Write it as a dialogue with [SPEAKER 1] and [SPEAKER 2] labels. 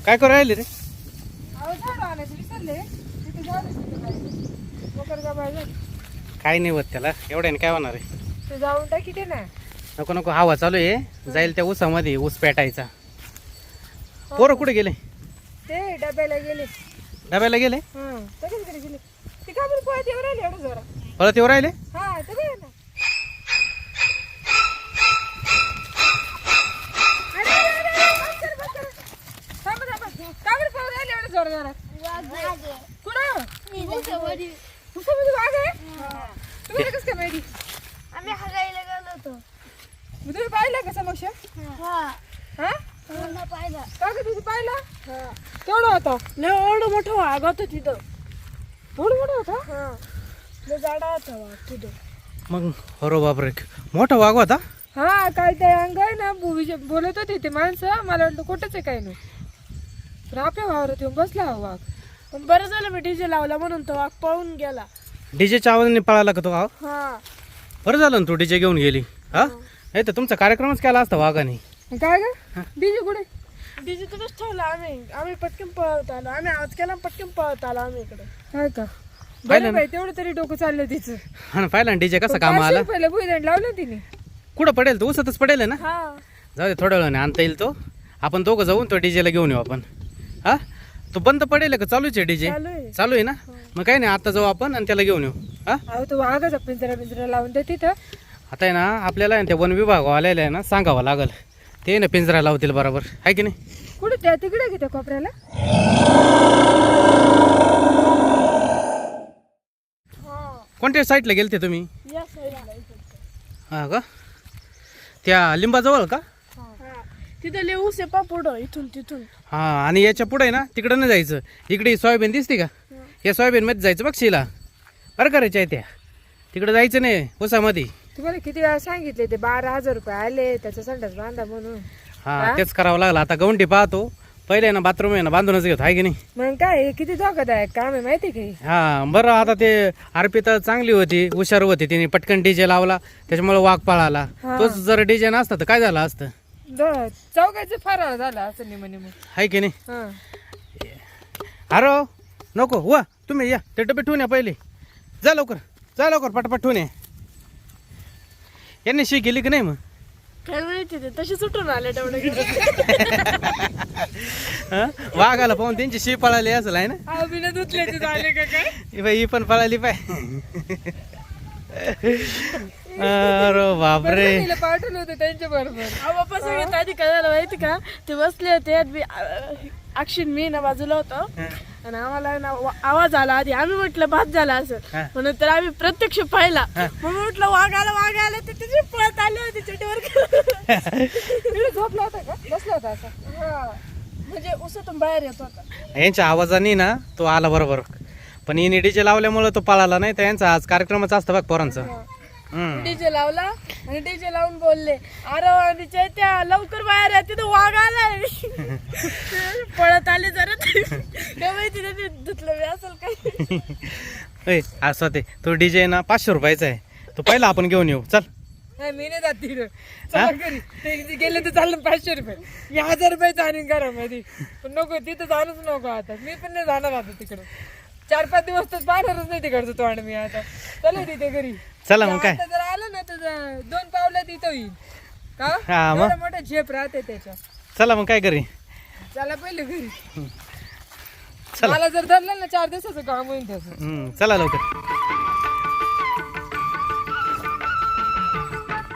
[SPEAKER 1] काय करू राहिले रे? काही नाही होत त्याला, एवढ्याने काय होणार आहे?
[SPEAKER 2] तू जाऊन टाकी ते ना.
[SPEAKER 1] नको नको, हवा चालू आहे, जाईल त्या ऊसामध्ये ऊस पेटायचा. पोरं कुठे गेले?
[SPEAKER 2] ते डब्याला गेले.
[SPEAKER 1] डब्याला गेले?
[SPEAKER 2] सगळीकडे गेले. ते का बरं पळत येऊ राहिले एवढं जोरात?
[SPEAKER 1] परत येऊ राहिले?
[SPEAKER 2] हा ते बघ ना. थांबा थांबा. का बरं पळत राहिले एवढं जोरात? कुठं? उसामध्ये वाघ आहे? तुम्हाला कसं काय माहिती?
[SPEAKER 3] आम्ही हागायला गेलो होतो.
[SPEAKER 2] मग तुम्ही पाहिलं का समक्ष? हा
[SPEAKER 3] पाहिलं.
[SPEAKER 2] का ग तुझी पाहिला? केवढा होता?
[SPEAKER 3] एवढं मोठं वाघ होतं तिथं.
[SPEAKER 2] एवढा मोठा होता?
[SPEAKER 3] लय जाडा होता वाघ तिथं.
[SPEAKER 1] मग अरे बापरे, मोठा वाघ होता?
[SPEAKER 2] हा काय ते अंग आहे ना बोलत होते ते माणसं, मला वाटलं कुठंच आहे काय नाही. पण आपल्या वावरात येऊन बसला हा वाघ.
[SPEAKER 3] पण बरं झालं मी डीजे लावला म्हणून तो वाघ पळून गेला.
[SPEAKER 1] डीजेच्या आवाजाने पळाला का तो वाघ?
[SPEAKER 3] हा
[SPEAKER 1] बरं झालं ना तू डीजे घेऊन गेली. हा नाही तर तुमचा कार्यक्रमच केला असता वाघाने.
[SPEAKER 2] काय ग डीजे कुठे?
[SPEAKER 3] डीजे तिथंच ठेवला आम्ही पटकन पळत आलो. आम्ही आवाज केला पटकन पळत आलो आम्ही इकडे.
[SPEAKER 2] काय का
[SPEAKER 1] पाहिलं
[SPEAKER 2] बरं बाई, तेवढं तरी डोकं चाललं तिचं.
[SPEAKER 1] हा ना, पाहिला डीजे कसा काम आला.
[SPEAKER 2] पहिलं भुईदंड लावलं तिने.
[SPEAKER 1] कुठं पडेल तो? ऊसातच पडेल आहे ना.
[SPEAKER 3] हा
[SPEAKER 1] जाऊ दे, थोड्या वेळाने आणता येईल तो. आपण दोघं जाऊन तो डीजेला घेऊन येऊ आपण. हा तो बंद पडेल का चालूच आहे डीजे?
[SPEAKER 3] चालू आहे.
[SPEAKER 1] चालू आहे ना. मग काही नाही, आता जाऊ आपण आणि त्याला घेऊन येऊ. हा
[SPEAKER 2] अहो तो वाघाचा पिंजरा लावून दे तिथं.
[SPEAKER 1] आता आहे ना, आपल्याला आहे ना, त्या वन विभाग आलेला आहे ना, सांगावं लागल. ते ना पिंजरा लावतील बरोबर, आहे की नाही?
[SPEAKER 2] कुठे त्या तिकडे की त्या कोपऱ्याला?
[SPEAKER 1] कोणत्या साईडला गेलते तुम्ही?
[SPEAKER 3] या साईडला
[SPEAKER 1] हा का, त्या लिंबाजवळ का?
[SPEAKER 3] तिथं लय ऊस आहे पा पुढं इथून तिथून.
[SPEAKER 1] हा, आणि याच्या पुढे ना तिकडं नाही जायचं. इकडे सोयाबीन दिसते का? या सोयाबीन मध्ये जायचं बघ शिला. बरं करायच्या आहे त्या, तिकडे जायचं नाही ऊसामध्ये.
[SPEAKER 2] तुम्हाला किती वेळा सांगितले ते 12,000 रुपये आले त्याचा संडास बांधा म्हणून.
[SPEAKER 1] हा तेच करावं लागलं. आता गवंडी पाहतो, पहिले ना बाथरूम आहे ना बांधूनच घेतो, आहे की नाही?
[SPEAKER 2] मग काय हे किती धोकादायक काम आहे माहिती काही.
[SPEAKER 1] हा बरं, आता ते अर्पिता चांगली होती, हुशार होती, तिने पटकन डीजे लावला, त्याच्यामुळे वाघ पळाला. तोच जर डीजे नसता तर काय झालं असतं?
[SPEAKER 2] चौघाचं फराळ झाला असं निम निम.
[SPEAKER 1] आहे की नाही?
[SPEAKER 2] हा
[SPEAKER 1] अरे नको वा, तुम्ही या ते डबे ठेवून या पहिले. जा लवकर पटापट ठेवून या. यांनी शी गेली की नाही मग?
[SPEAKER 3] काय माहिती ते तसे सुटून आले तेवढे.
[SPEAKER 1] वाघाला पाहून त्यांची शी पळाली असेल, आहे ना?
[SPEAKER 2] बिना धुतल्याचे झाले का काय?
[SPEAKER 1] ही पण पळाली पाय. अरे बापरे,
[SPEAKER 2] तिला पाठवलं होतं त्यांच्या बरोबर.
[SPEAKER 3] बाप्पा सगळ्यात आधी काय झालं माहिती का, ते बसले होते अक्षिण मी ना बाजूला होतो आणि आम्हाला ना आवाज आला आधी. आम्ही म्हटलं भात झाला असं, म्हणून तर आम्ही प्रत्यक्ष पाहिला. म्हणून म्हटलं वाघ आला तर तिथे पळत आले होते चटीवर.
[SPEAKER 2] झोपला होता का? बसला होता असा?
[SPEAKER 3] हा म्हणजे उसातून बाहेर येत होता.
[SPEAKER 1] यांच्या आवाजाने ना तो आला बरोबर, पण हिने डीजे लावल्यामुळे तो पळाला. नाही तर यांचा आज कार्यक्रमच असतं बघ पोरांचं.
[SPEAKER 3] डीजे लावला आणि डीजे लावून बोलले, अरे आणि चैत्या लवकर बाहेर या, तिथं वाघ आलाय. पळत आले जरा. काय माहिती त्यांनी धुतलं बी असेल काय.
[SPEAKER 1] असं ते तो डीजे ना 500 रुपयाचा आहे, तो पहिला आपण घेऊन येऊ. चल.
[SPEAKER 2] नाही मी नाही जात तिकडं. चला घरी. ते गेले तर चाललं 500 रुपये. मी 1000 रुपयाचं आणीन घरामध्ये. पण नको तिथं जाणंच नको आता. मी पण नाही जाणार आता तिकडं. 4-5 दिवस तर पाहणारच नाही तिकडचं तोंड मी आता. चला तिथे घरी.
[SPEAKER 1] चला मग काय.
[SPEAKER 2] आता जर आलं ना तर 2 पावलं तिथं येईल का?
[SPEAKER 1] हा, मग?
[SPEAKER 2] एवढा मोठा झेप राहते त्याच्या.
[SPEAKER 1] चला मग काय करी.
[SPEAKER 2] चला पहिले घरी.
[SPEAKER 1] चला.
[SPEAKER 2] मला जर धरलं ना 4 दिवसाचं काम होईल त्याचं.
[SPEAKER 1] चला लवकर.